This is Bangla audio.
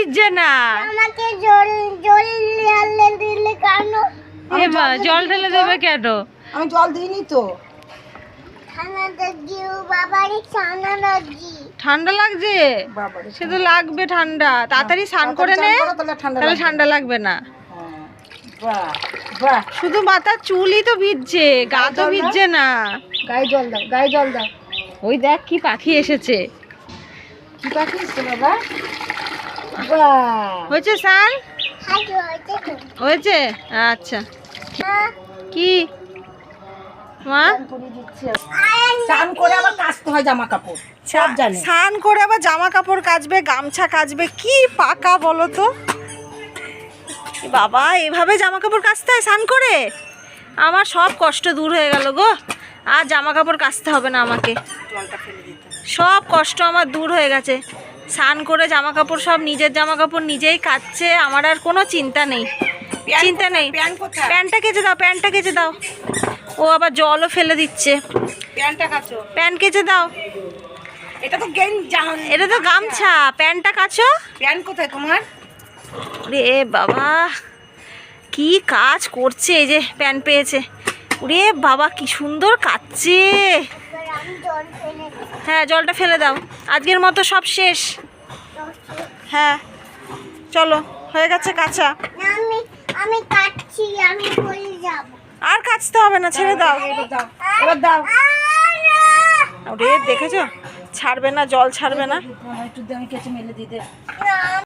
ভিজছে না। আমাকে জল জল ঢেলে দিলে কেন? জল ঢেলে দেবে কেন? আমি জল দিইনি তো। ঠান্ডা লাগছে বাবারে, ঠান্ডা লাগছে। ঠান্ডা লাগছে? বাবারে সে তো লাগবে ঠান্ডা, তাড়াতাড়ি স্নান করে নে, তাহলে ঠান্ডা লাগবে না। বাহ বাহ, শুধু মাথার চুলই তো ভিজছে, গা তো ভিজছে না। গায়ে জল দাও, গায়ে জল দাও। ওই দেখ কি পাখি এসেছে। কি পাখি এসছে বাবা? বাহ, হয়েছে স্নান? হয়েছে? আচ্ছা। কি মা? স্নান করে আবার কাচতে হয় জামা কাপড়, সব জানে। স্নান করে আবার জামা কাপড় কাচবে, গামছা কাচবে, কি পাকা বলো তো। বাবা এভাবে জামা কাপড় কাচতে হয় স্নান করে? আমার সব কষ্ট দূর হয়ে গেল গো, আর জামা কাপড় কাচতে হবে না আমাকে। জলটা ফেলে দিতে। সব কষ্ট আমার দূর হয়ে গেছে। স্নান করে জামা কাপড় সব নিজের জামা কাপড় নিজেই কাচ্ছে, আমার আর কোনো চিন্তা নেই। চিন্তা নেই। প্যান্টটা কেচে দাও, প্যান্টটা কেচে দাও। ও আবার জলও ফেলে দিচ্ছে। প্যান্টটা কাচো। প্যান্ট কেচে দাও। এটা তো এটা তো গামছা, প্যান্টটা কাচো। প্যান্ট কোথায় তোমার? রে বাবা কি কাজ করছে, এই যে প্যান্ট পেয়েছে। রে বাবা কি সুন্দর কাচ্ছে। হ্যাঁ জলটা ফেলে দাও, আজকের মতো সব শেষ। হ্যাঁ চলো, হয়ে গেছে কাঁচা। আমি আমি কাটছি, আমি বলে যাব। আর কাচতে হবে না, ছেড়ে দাও। এবার দাও। রে দেখেছো, ছাড়বে না, জল ছাড়বে না। একটু আমি কেচে মেলে দিতে।